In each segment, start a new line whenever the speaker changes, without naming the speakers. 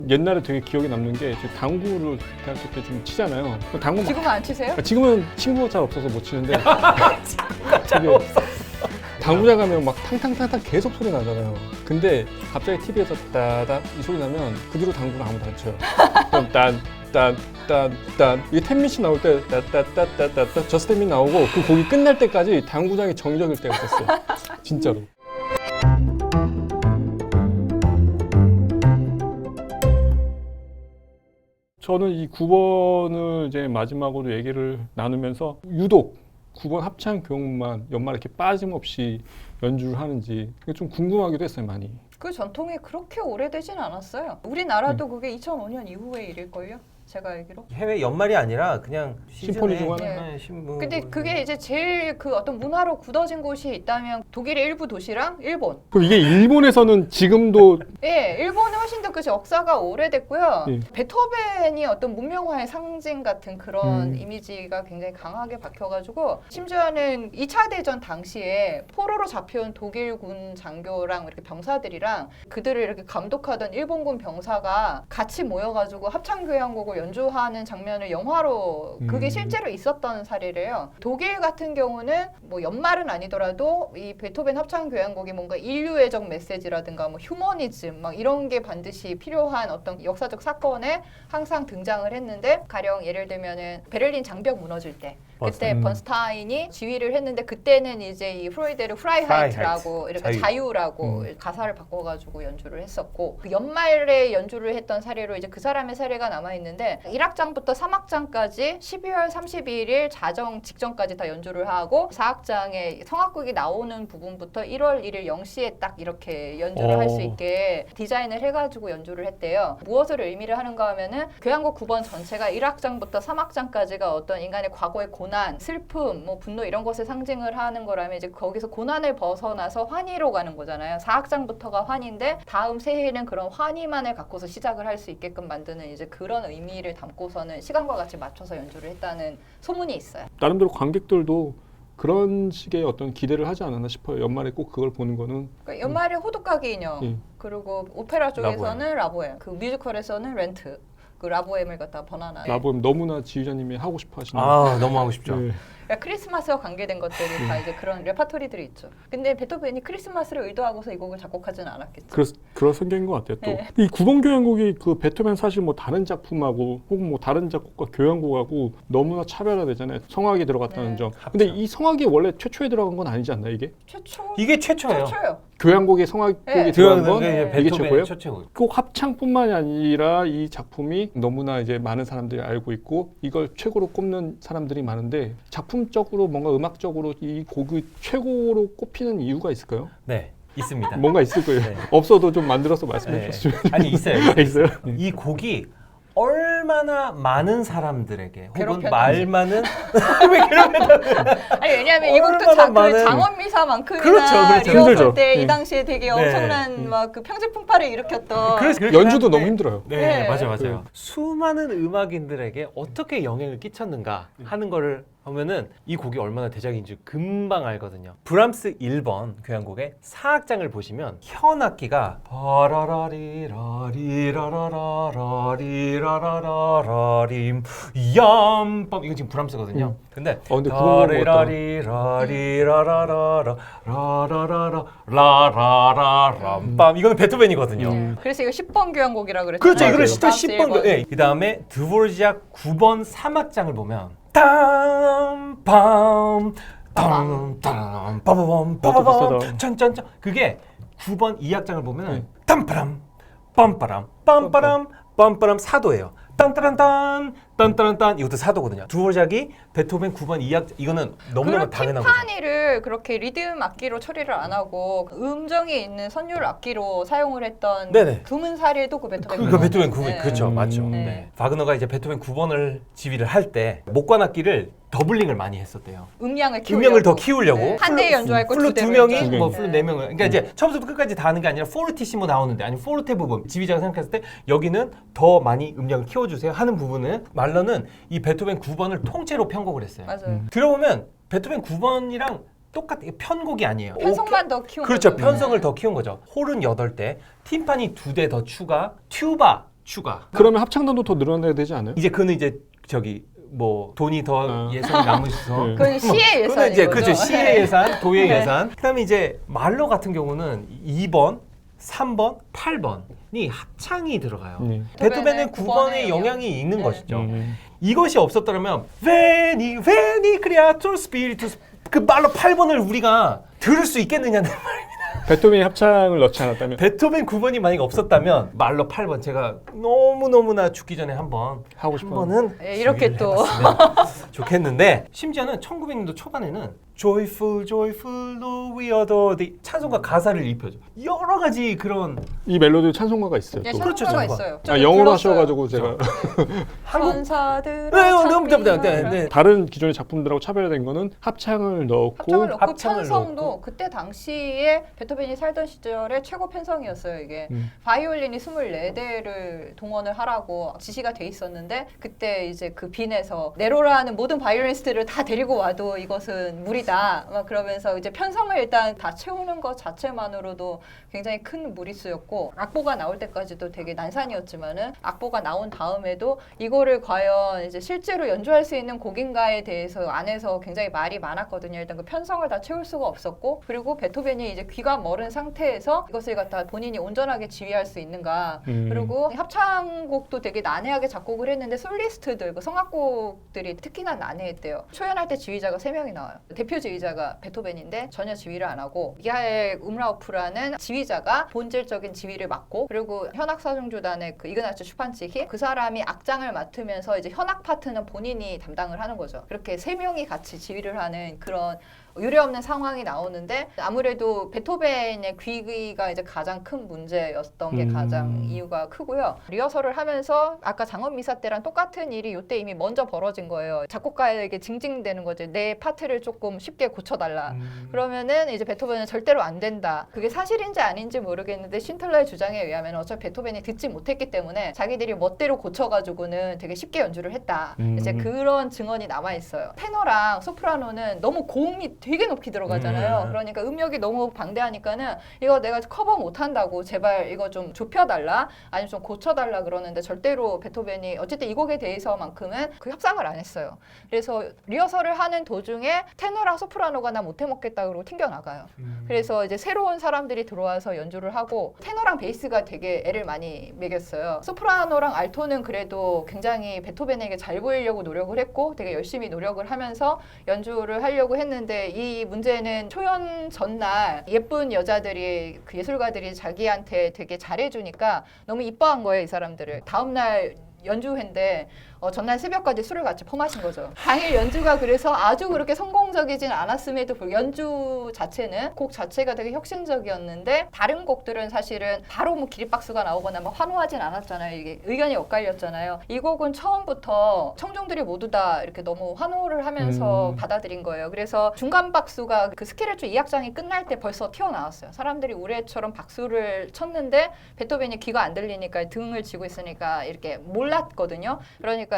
옛날에 되게 기억에 남는 게 당구를 대학교 때 좀 치잖아요. 당구
지금은 안 치세요?
지금은 친구가 잘 없어서 못 치는데
친구가 잘 없어.
당구장 가면 막 탕탕탕탕 계속 소리 나잖아요. 근데 갑자기 TV에서 따다 이 소리 나면 그 뒤로 당구를 아무도 안 쳐요. 그럼 딴 이게 텐미씨 나올 때 따따따따따 저스템이 나오고 그 곡이 끝날 때까지 당구장이 정적일 때가 있었어요. 진짜로. 저는 이 9번을 이제 마지막으로 얘기를 나누면서 유독 9번 합창 교육만 연말에 이렇게 빠짐없이 연주를 하는지 그게 좀 궁금하기도 했어요, 많이.
그 전통이 그렇게 오래되진 않았어요. 우리나라도 그게 2005년 이후의 일일걸요? 제가 알기로.
해외 연말이 아니라 그냥
심포니 중
시즌에
하나?
신문.
근데 그게 이제 제일 그 어떤 문화로 굳어진 곳이 있다면 독일의 일부 도시랑 일본.
그럼 이게 일본에서는 지금도
예, 일본은 훨씬 더 그 역사가 오래됐고요.
예.
베토벤이 어떤 문명화의 상징 같은 그런 이미지가 굉장히 강하게 박혀가지고 심지어는 2차 대전 당시에 포로로 잡혀온 독일군 장교랑 이렇게 병사들이랑 그들을 이렇게 감독하던 일본군 병사가 같이 모여가지고 합창교향곡을 연주하는 장면을 영화로 그게 실제로 있었던 사례래요. 독일 같은 경우는 뭐 연말은 아니더라도 이 베토벤 합창교향곡이 뭔가 인류애적 메시지라든가 뭐 휴머니즘 막 이런 게 반드시 필요한 어떤 역사적 사건에 항상 등장을 했는데 가령 예를 들면은 베를린 장벽 무너질 때 그때 번스타인이 지휘를 했는데 그때는 이제 이 프로이데르 프라이하이트라고 이렇게 자유라고 가사를 바꿔가지고 연주를 했었고 그 연말에 연주를 했던 사례로 이제 그 사람의 사례가 남아 있는데 1악장부터 3악장까지 12월 31일 자정 직전까지 다 연주를 하고 4악장에 성악극이 나오는 부분부터 1월 1일 0시에 딱 이렇게 연주를 할 수 있게 디자인을 해가지고 연주를 했대요. 무엇을 의미를 하는가 하면은 교향곡 9번 전체가 1악장부터 3악장까지가 어떤 인간의 과거의 고난, 슬픔, 뭐 분노 이런 것을 상징을 하는 거라면 이제 거기서 고난을 벗어나서 환희로 가는 거잖아요. 4악장부터가 환희인데 다음 새해에는 그런 환희만을 갖고서 시작을 할 수 있게끔 만드는 이제 그런 의미를 담고서는 시간과 같이 맞춰서 연주를 했다는 소문이 있어요.
나름대로 관객들도 그런 식의 어떤 기대를 하지 않았나 싶어요. 연말에 꼭 그걸 보는 거는.
그러니까 연말에 호두까기 인형,
예.
그리고 오페라 쪽에서는 라보엠, 그 뮤지컬에서는 렌트, 그 라보엠을 갖다 번안한.
라보엠 너무나 지휘자님이 하고 싶어 하시는.
아 너무 하고 싶죠.
네.
그러니까 크리스마스와 관계된 것들이 다 이제 그런 레파토리들이 있죠. 근데 베토벤이 크리스마스를 의도하고서 이 곡을 작곡하지는 않았겠죠.
그런 성격인 것 같아요. 또
네.
이 9번 교향곡이 그 베토벤 사실 뭐 다른 작품하고 혹은 뭐 다른 작곡가 교향곡하고 너무나 차별화되잖아요. 성악이 들어갔다는
네.
점. 근데 이 성악이 원래 최초에 들어간 건 아니지 않나 이게?
이게 최초예요.
최초요.
교향곡에 성악곡이
네.
들어간 건
네.
이게 최고예요?
최초고.
꼭 합창뿐만이 아니라 이 작품이 너무나 이제 많은 사람들이 알고 있고 이걸 최고로 꼽는 사람들이 많은데 작품적으로 뭔가 음악적으로 이 곡이 최고로 꼽히는 이유가 있을까요?
네, 있습니다.
뭔가 있을 거예요.
네.
없어도 좀 만들어서 말씀해
네.
주시면.
아니 있어요.
있어요?
이 곡이 얼마나 많은 사람들에게 혹은
괴롭혔는지.
말 많은 왜 괴롭혔다.
아니 왜냐하면 이 곡도
얼마나
그
많은-
장원미사만큼이나
그렇죠.
리허설
힘들죠.
때 이
네.
당시에 되게
네.
엄청난 막 그 평지 풍파를 일으켰던.
연주도 너무 힘들어요.
네,
네.
맞아요. 수많은 음악인들에게 어떻게 영향을 끼쳤는가 하는 거를 하면은 이 곡이 얼마나 대작인지 금방 알거든요. 브람스 1번 교향곡의 4악장을 보시면 현악기가 바라라리라리라라라라리라라라림 얌빰 이거 지금 브람스거든요. 근데
근데 그거
라리라리라리라라라라라라람빰 이거는 베토벤이거든요.
그래서 이거 10번 교향곡이라고 그랬잖아요.
그렇죠. 이거를
브람스
진짜 10번.
1번.
네. 그 다음에 드보르작 9번 3악장을 보면 땀빰 땀땀 빠바밤 빠바밤
비슷하다.
짠짠짠 그게 9번 2악장을 보면 땀빠람 빰빠람 빰빠람 빰빠람 사도예요. 딴따란딴 딴따란딴 이것도 사도거든요. 드보르작이 베토벤 9번 2악 이거는 너무너무
그런
당연한 거죠.
팀파니를 그렇게 리듬 악기로 처리를 안 하고 음정이 있는 선율 악기로 사용을 했던
네네.
드문 사례도 그 베토벤.
그러니까 베토벤 9번
네.
그렇죠. 맞죠.
네.
네. 바그너가 이제 베토벤 9번을 지휘를 할 때 목관 악기를 더블링을 많이 했었대요.
음량을 키우려고.
음량을 더 키우려고
네. 한 대에 연주할 거
플루
두
두
대로
명이
연주하고.
뭐
네.
플루 네 명을 그러니까 이제 처음부터 끝까지 다 하는 게 아니라 포르티시모 나오는데 아니 포르테 부분 지휘자가 생각했을 때 여기는 더 많이 음량을 키워주세요 하는 부분은 말러는 이 베토벤 9번을 통째로 편곡을 했어요.
맞아요.
들어보면 베토벤 9번이랑 똑같은 편곡이 아니에요.
편성만 더 키운
그렇죠.
거죠.
편성을
네.
더 키운 거죠. 홀은 8대, 팀파니 2대 더 추가, 튜바 추가.
그러면 합창단도 더 늘어나야 되지 않아요?
이제 그는 이제 저기 뭐 돈이 더 예산이 남으셔서
네.
그건 시의
그거는 이제
예산인 거죠.
그죠 시의 예산, 도의
네.
예산. 그다음에 이제 말로 같은 경우는 2번, 3번, 8번이 합창이 들어가요. 베토벤은 9번의 영향이 있는 것이죠. 이것이 없었더라면 베니 크리아토 스피리투스 그 말로 8번을 우리가 들을 수 있겠느냐는 말입니다.
베토벤이 합창을 넣지 않았다면
베토벤 9번이 만약에 없었다면 말로 8번 제가 너무너무나 죽기 전에 한번
하고
한
싶어요.
번은
예, 이렇게
주의를
또.
해봤으면 좋겠는데 심지어는 1900년도 초반에는 Joyful, joyful, Lord, we adore thee 찬송가 가사를 입혀줘. 여러 가지 그런
이 멜로디 찬송가가 있어요.
예,
또.
그렇죠,
찬송가가
찬송가.
있어요.
아,
저는
영어로
불렀어요.
하셔가지고 제가
한국
천사들아
너무
찬미하라.
네.
다른 기존의 작품들하고 차별화된 거는 합창을 넣고
합창을 넣고
합창을
편성도
넣고.
그때 당시에 베토벤이 살던 시절에 최고 편성이었어요. 이게 바이올린이 24대를 동원을 하라고 지시가 돼 있었는데 그때 이제 그 빈에서 네로라는 모든 바이올리니스트를 다 데리고 와도 이것은 무리다. 막 그러면서 이제 편성을 일단 다 채우는 것 자체만으로도 굉장히 큰 무리수였고 악보가 나올 때까지도 되게 난산이었지만은 악보가 나온 다음에도 이거를 과연 이제 실제로 연주할 수 있는 곡인가에 대해서 안에서 굉장히 말이 많았거든요. 일단 그 편성을 다 채울 수가 없었고 그리고 베토벤이 이제 귀가 멀은 상태에서 이것을 갖다 본인이 온전하게 지휘할 수 있는가 그리고 합창곡도 되게 난해하게 작곡을 했는데 솔리스트들 그 성악곡들이 특히나 난해했대요. 초연할 때 지휘자가 3명이 나와요. 대표 지휘자가 베토벤인데 전혀 지휘를 안 하고 미하엘 음라우프라는 지휘자가 본질적인 지휘를 맡고 그리고 현악사중주단의 그 이그나츠 슈판치히 그 사람이 악장을 맡으면서 이제 현악 파트는 본인이 담당을 하는 거죠. 그렇게 3명이 같이 지휘를 하는 그런 유례없는 상황이 나오는데 아무래도 베토벤의 귀가 이제 가장 큰 문제였던 게 가장 이유가 크고요. 리허설을 하면서 아까 장엄 미사 때랑 똑같은 일이 이때 이미 먼저 벌어진 거예요. 작곡가에게 징징대는 거죠. 내 파트를 조금 쉽게 고쳐달라. 그러면은 이제 베토벤은 절대로 안 된다. 그게 사실인지 아닌지 모르겠는데 신틀러의 주장에 의하면 어차피 베토벤이 듣지 못했기 때문에 자기들이 멋대로 고쳐가지고는 되게 쉽게 연주를 했다. 이제 그런 증언이 남아 있어요. 테너랑 소프라노는 너무 고음이 되게 높이 들어가잖아요. 그러니까 음역이 너무 방대하니까는 이거 내가 커버 못한다고 제발 이거 좀 좁혀달라 아니면 좀 고쳐달라 그러는데 절대로 베토벤이 어쨌든 이 곡에 대해서만큼은 그 협상을 안 했어요. 그래서 리허설을 하는 도중에 테너랑 소프라노가 나 못해 먹겠다 그러고 튕겨나가요. 그래서 이제 새로운 사람들이 들어와서 연주를 하고 테너랑 베이스가 되게 애를 많이 먹였어요. 소프라노랑 알토는 그래도 굉장히 베토벤에게 잘 보이려고 노력을 했고 되게 열심히 노력을 하면서 연주를 하려고 했는데 이 문제는 초연 전날 예쁜 여자들이 그 예술가들이 자기한테 되게 잘해주니까 너무 이뻐한 거예요, 이 사람들을. 다음날 연주회인데 전날 새벽까지 술을 같이 퍼마신 거죠. 당일 연주가 그래서 아주 그렇게 성공적이진 않았음에도 불구하고 연주 자체는 곡 자체가 되게 혁신적이었는데 다른 곡들은 사실은 바로 뭐 기립박수가 나오거나 막 환호하진 않았잖아요. 이게 의견이 엇갈렸잖아요. 이 곡은 처음부터 청중들이 모두 다 이렇게 너무 환호를 하면서 받아들인 거예요. 그래서 중간 박수가 그 스케르초 2악장이 끝날 때 벌써 튀어나왔어요. 사람들이 우레처럼 박수를 쳤는데 베토벤이 귀가 안 들리니까 등을 쥐고 있으니까 이렇게 몰랐거든요. 그러니까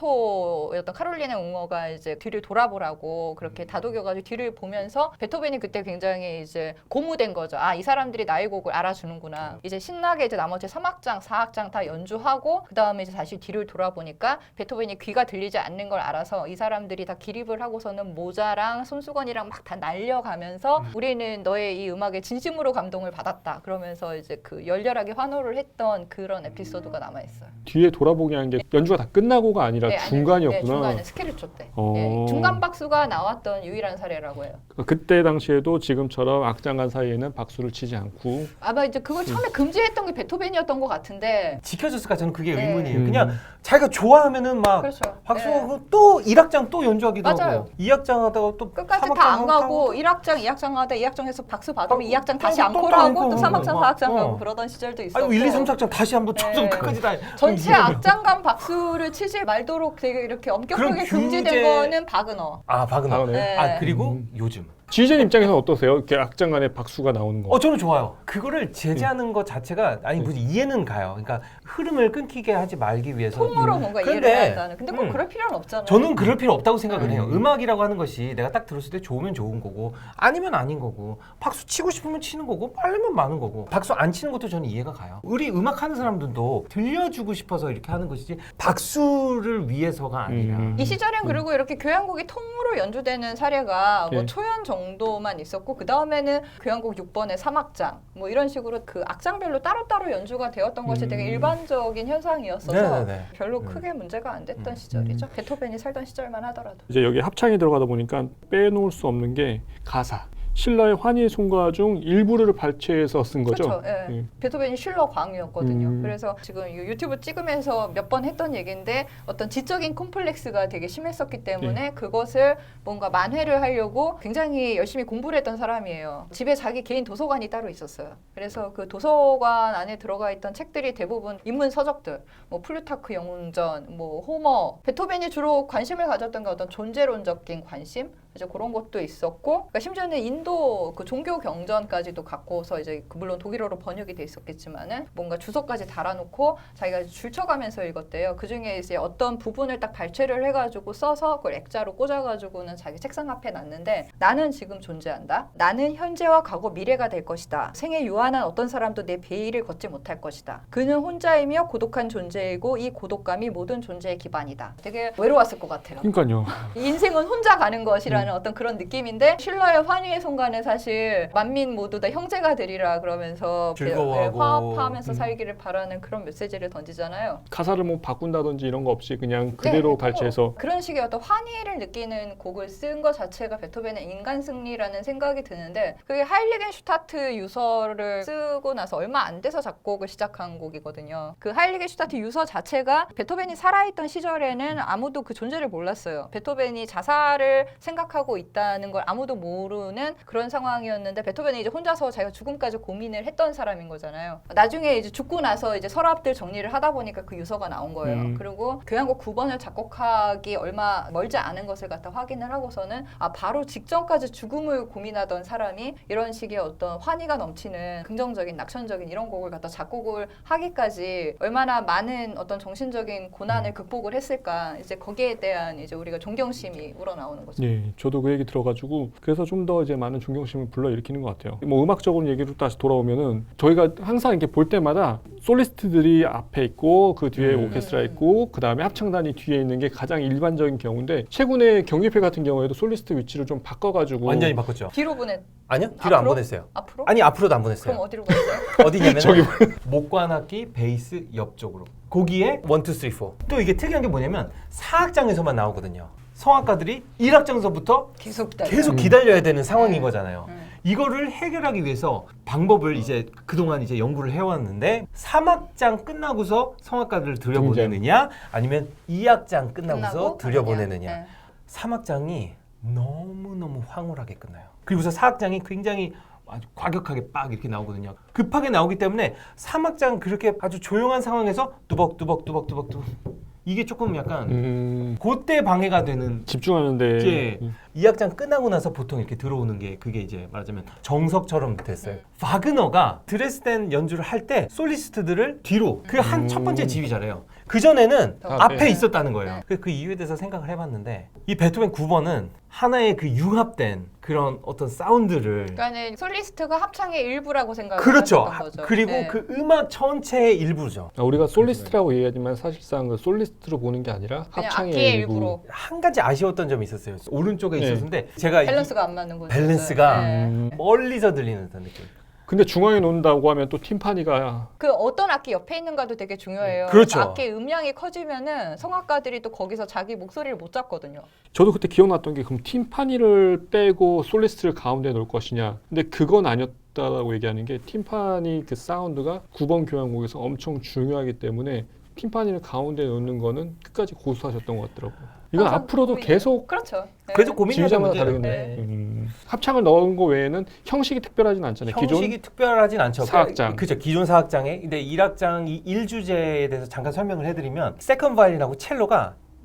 알토였던 카롤리나 웅어가 이제 뒤를 돌아보라고 그렇게 다독여가지고 뒤를 보면서 베토벤이 그때 굉장히 이제 고무된 거죠. 아, 이 사람들이 나의 곡을 알아주는구나. 이제 신나게 이제 나머지 3악장, 4악장 다 연주하고 그 다음에 이제 다시 뒤를 돌아보니까 베토벤이 귀가 들리지 않는 걸 알아서 이 사람들이 다 기립을 하고서는 모자랑 손수건이랑 막 다 날려가면서 우리는 너의 이 음악에 진심으로 감동을 받았다. 그러면서 이제 그 열렬하게 환호를 했던 그런 에피소드가 남아있어요.
뒤에 돌아보게 한 게 연주가 다 끝나고가 아니라
네, 아니,
중간이었구나.
네, 중간에 스케르초 때. 예, 중간 박수가 나왔던 유일한 사례라고 해요.
그때 당시에도 지금처럼 악장간 사이에는 박수를 치지 않고
아마 이제 그걸 처음에 금지했던 게 베토벤이었던 것 같은데.
지켜졌을까 저는 그게
네.
의문이에요. 그냥 자기가 좋아하면은 막
그렇죠.
박수하고 또 1악장 또 연주하기도
맞아요.
하고 2악장 하다가 또
끝까지
3악장
다 안 가고
하고
1악장, 2악장 하다 2악장에서 박수 받으면
또
2악장 다시
또
앙코르하고 또
또
3악장,
막,
4악장
어.
가고 그러던 시절도 있었고.
아니 1, 2, 3, 4장 다시 한번 쳐서
네.
끝까지 다
전체 악장간 박수를 치지 말도록 되게 이렇게 엄격하게
그런
금지된
규제-
거는 바그너.
아 바그너.
바그너요?
네.
아 그리고 요즘
지휘자님 입장에서는 어떠세요? 이렇게 악장 간에 박수가 나오는 거.
저는 좋아요. 그거를 제재하는 것 자체가 아니 무슨 이해는 가요. 그러니까 흐름을 끊기게 하지 말기 위해서.
통으로 뭔가 이해를 해야 한다는. 근데 꼭 그럴 필요는 없잖아요.
저는 그럴 필요 없다고 생각을 해요. 음악이라고 하는 것이 내가 딱 들었을 때 좋으면 좋은 거고 아니면 아닌 거고 박수 치고 싶으면 치는 거고 빨리면 마는 거고 박수 안 치는 것도 저는 이해가 가요. 우리 음악 하는 사람들도 들려주고 싶어서 이렇게 하는 것이지 박수를 위해서가 아니라.
이 시절엔 그리고 이렇게 교향곡이 통으로 연주되는 사례가 뭐
예.
초연 정도만 있었고 그 다음에는 교향곡 6번의 3악장 뭐 이런 식으로 그 악장별로 따로따로 연주가 되었던 것이 되게 일반적인 현상이었어서
네네네.
별로 크게 문제가 안 됐던 시절이죠. 베토벤이 살던 시절만 하더라도.
이제 여기 합창이 들어가다 보니까 빼놓을 수 없는 게 가사. 실러의 환희의 송가 중 일부를 발췌해서 쓴 거죠.
그렇죠. 예.
예.
베토벤이 실러 광이었거든요. 그래서 지금 이 유튜브 찍으면서 몇 번 했던 얘기인데 어떤 지적인 콤플렉스가 되게 심했었기 때문에 그것을 뭔가 만회를 하려고 굉장히 열심히 공부를 했던 사람이에요. 집에 자기 개인 도서관이 따로 있었어요. 그래서 그 도서관 안에 들어가 있던 책들이 대부분 인문 서적들, 뭐 플루타크 영웅전, 뭐 호머, 베토벤이 주로 관심을 가졌던 게 어떤 존재론적인 관심, 이제 그런 것도 있었고, 그러니까 심지어는 인도 그 종교 경전까지도 갖고서 이제 물론 독일어로 번역이 돼 있었겠지만은 뭔가 주석까지 달아놓고 자기가 줄쳐가면서 읽었대요. 그 중에 이제 어떤 부분을 딱 발췌를 해가지고 써서 그걸 액자로 꽂아가지고는 자기 책상 앞에 놨는데 나는 지금 존재한다. 나는 현재와 과거 미래가 될 것이다. 생에 유한한 어떤 사람도 내 베일을 걷지 못할 것이다. 그는 혼자이며 고독한 존재이고 이 고독감이 모든 존재의 기반이다. 되게 외로웠을 것 같아요.
그러니까요.
인생은 혼자 가는 것이라는 어떤 그런 느낌인데 실러의 환희의 송가는 사실 만민 모두 다 형제가 되리라 그러면서
즐거워하고
화합하면서 살기를 바라는 그런 메시지를 던지잖아요.
가사를 뭐 바꾼다든지 이런 거 없이 그냥 그대로
네,
발췌해서
그런 식의 어떤 환희를 느끼는 곡을 쓴 것 자체가 베토벤의 인간 승리라는 생각이 드는데 그게 하일리겐슈타트 유서를 쓰고 나서 얼마 안 돼서 작곡을 시작한 곡이거든요. 그 하일리겐슈타트 유서 자체가 베토벤이 살아있던 시절에는 아무도 그 존재를 몰랐어요. 베토벤이 자살을 생각하고 있다는 걸 아무도 모르는 그런 상황이었는데 베토벤이 이제 혼자서 자기가 죽음까지 고민을 했던 사람인 거잖아요. 나중에 이제 죽고 나서 이제 서랍들 정리를 하다 보니까 그 유서가 나온 거예요. 그리고 교향곡 9번을 작곡하기 얼마 멀지 않은 것을 갖다 확인을 하고서는 아 바로 직전까지 죽음을 고민하던 사람이 이런 식의 어떤 환희가 넘치는 긍정적인 낙천적인 이런 곡을 갖다 작곡을 하기까지 얼마나 많은 어떤 정신적인 고난을 극복을 했을까 이제 거기에 대한 이제 우리가 존경심이 우러나오는 거죠.
예, 저도 그 얘기 들어가지고 그래서 좀 더 이제 많은 존경심을 불러일으키는 것 같아요. 뭐 음악적으로 얘기로 다시 돌아오면은 저희가 항상 이렇게 볼 때마다 솔리스트들이 앞에 있고 그 뒤에 오케스트라 있고 그 다음에 합창단이 뒤에 있는 게 가장 일반적인 경우인데 최근에 경기회 같은 경우에도 솔리스트 위치를 좀 바꿔가지고
완전히 바꿨죠.
뒤로 보내
아니요, 뒤로 안
앞으로?
보냈어요.
앞으로?
아니 앞으로도 안 보냈어요.
그럼 어디로 보냈어요?
어디냐면
저기
목관악기 베이스 옆쪽으로 거기에 1, 2, 3, 4. 또 이게 특이한 게 뭐냐면 4악장에서만 나오거든요. 성악가들이 1악장서부터 계속 기다려야 되는 상황인 거잖아요. 이거를 해결하기 위해서 방법을 이제 그동안 이제 연구를 해왔는데 3악장 끝나고서 성악가들을 들여보내느냐 아니면 2악장 끝나고서 들여보내느냐.
네.
3악장이 너무너무 황홀하게 끝나요. 그리고서 4악장이 굉장히 아주 과격하게 빡 이렇게 나오거든요. 급하게 나오기 때문에 3악장 그렇게 아주 조용한 상황에서 뚜벅뚜벅 이게 조금 약간 그때 방해가 되는
집중하는데
예. 2악장 끝나고 나서 보통 이렇게 들어오는 게 그게 이제 말하자면 정석처럼 됐어요. 바그너가 드레스덴 연주를 할 때 솔리스트들을 뒤로 그 한 첫 번째 지휘자래요. 그 전에는 앞에 있었다는 거예요. 그 이유에 대해서 생각을 해봤는데 이 베토벤 9번은 하나의 그 융합된 그런 어떤 사운드를
그러니까 솔리스트가 합창의 일부라고 생각을
그렇죠.
했던 거죠.
그리고
네.
그 음악 전체의 일부죠.
우리가 솔리스트라고 얘기하지만 사실상 그 솔리스트로 보는 게 아니라
그냥
합창의
악기의
일부.
일부로
한 가지 아쉬웠던 점이 있었어요. 오른쪽에
네.
있었는데 제가
밸런스가 안 맞는 거죠.
밸런스가
네.
멀리서 들리는 듯한 느낌.
근데 중앙에 놓는다고 하면 또 팀파니가
그 어떤 악기 옆에 있는가도 되게 중요해요.
그렇죠.
악기의 음량이 커지면은 성악가들이 또 거기서 자기 목소리를 못 잡거든요.
저도 그때 기억났던 게 그럼 팀파니를 빼고 솔리스트를 가운데 놓을 것이냐. 근데 그건 아니었다라고 얘기하는 게 팀파니 그 사운드가 9번 교향곡에서 엄청 중요하기 때문에 팀파니를 가운데 놓는 거는 끝까지 고수하셨던 것 같더라고요. 이건
항상
앞으로도
고민이에요.
계속
그렇죠. 네.
그래서 고민하는
지휘자마다
문제는
다르겠네. 합창을 넣은 거 외에는 형식이 특별하진 않잖아요.
형식이 특별하진 않죠.
4악장.
그죠. 기존 4악장에 근데 1악장 이 1주제에 대해서 잠깐 설명을 해드리면 세컨 바이올린하고 첼로가